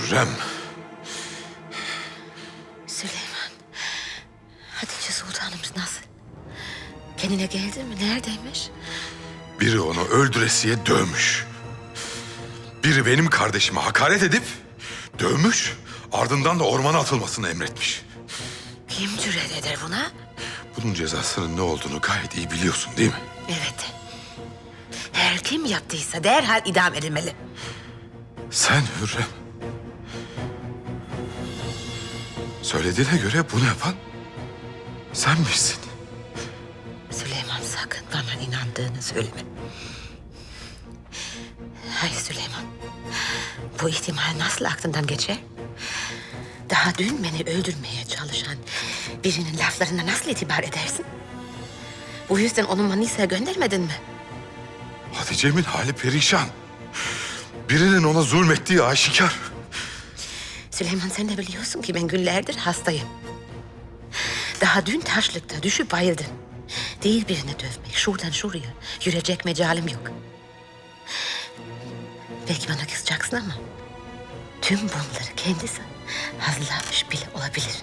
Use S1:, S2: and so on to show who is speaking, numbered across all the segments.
S1: Hürrem.
S2: Süleyman, Hatice Sultanımız nasıl? Kendine geldi mi? Neredeymiş?
S1: Biri onu öldüresiye dövmüş. Biri benim kardeşime hakaret edip dövmüş. Ardından da ormana atılmasını emretmiş.
S2: Kim cüret eder buna?
S1: Bunun cezasının ne olduğunu gayet iyi biliyorsun değil mi?
S2: Evet. Her kim yaptıysa derhal idam edilmeli.
S1: Sen Hürrem. Söylediğine göre bunu yapan sen misin?
S2: Süleyman, sakın bana inandığını söyleme. Hayır Süleyman. Bu ihtimal nasıl aklından geçer? Daha dün beni öldürmeye çalışan birinin laflarına nasıl itibar edersin? Bu yüzden onu Manisa'ya göndermedin mi?
S1: Hatice'min hali perişan. Birinin ona zulmettiği aşikar.
S2: Süleyman, sen de biliyorsun ki ben günlerdir hastayım. Daha dün taşlıkta düşüp bayıldım. Değil birini dövmek, şuradan şuraya yürüyecek mecalim yok. Belki bana kızacaksın ama tüm bunları kendisi hazırlamış bile olabilir.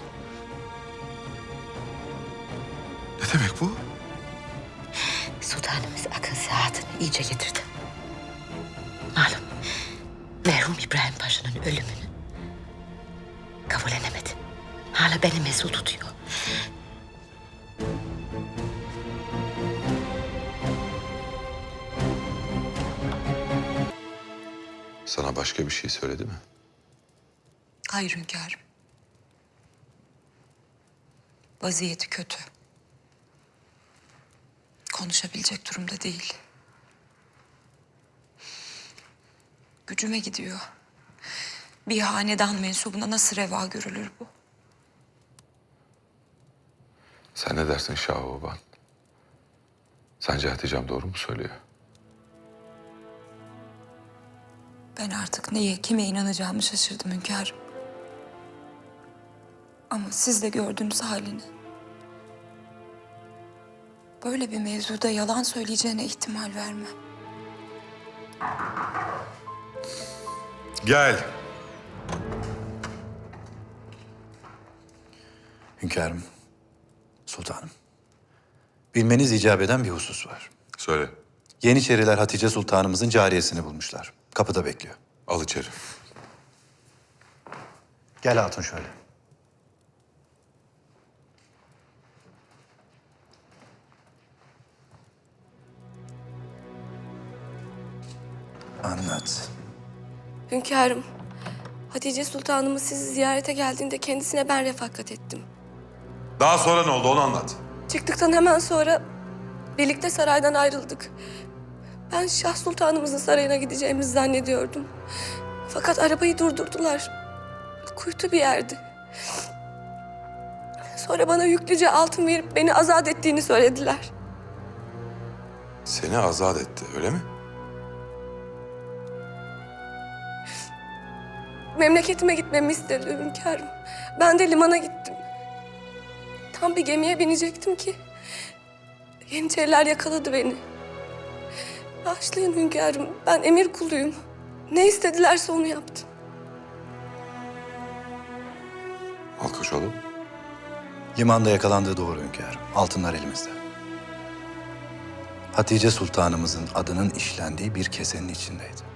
S1: Ne demek bu?
S2: Sultanımız akıl saatini iyice getirdi. Malum merhum İbrahim Paşa'nın ölümünü kabullenemedi. Hala beni mesul tutuyor.
S1: Sana başka bir şey söyledi mi?
S3: Hayır hünkârım. Vaziyeti kötü. Konuşabilecek durumda değil. Gücüme gidiyor. Bir hanedan mensubuna nasıl reva görülür bu?
S1: Sen ne dersin Şah-ı Sence Hatice'm doğru mu söylüyor?
S3: Ben artık neye, kime inanacağımı şaşırdım hünkârım. Ama siz de gördünüz halini. Böyle bir mevzuda yalan söyleyeceğine ihtimal vermem.
S1: Gel.
S4: Hünkârım, sultanım. Bilmeniz icap eden bir husus var.
S1: Söyle.
S4: Yeniçeriler Hatice Sultanımızın cariyesini bulmuşlar. Kapıda bekliyor.
S1: Al içeri.
S4: Gel hatun şöyle. Anlat.
S5: Hünkârım, Hatice Sultanımız sizi ziyarete geldiğinde kendisine ben refakat ettim.
S1: Daha sonra ne oldu onu anlat.
S5: Çıktıktan hemen sonra birlikte saraydan ayrıldık. Ben Şah Sultanımızın sarayına gideceğimizi zannediyordum. Fakat arabayı durdurdular. Kuytu bir yerdi. Sonra bana yüklüce altın verip beni azat ettiğini söylediler.
S1: Seni azat etti öyle mi?
S5: Memleketime gitmemi istedi hünkârım. Ben de limana gittim. Tam bir gemiye binecektim ki Yeniçeriler yakaladı beni. Bağışlayın hünkârım, ben emir kuluyum. Ne istedilerse onu yaptım.
S1: Malkoçoğlu.
S4: Limanda yakalandığı doğru hünkârım. Altınlar elimizde. Hatice Sultanımızın adının işlendiği bir kesenin içindeydi.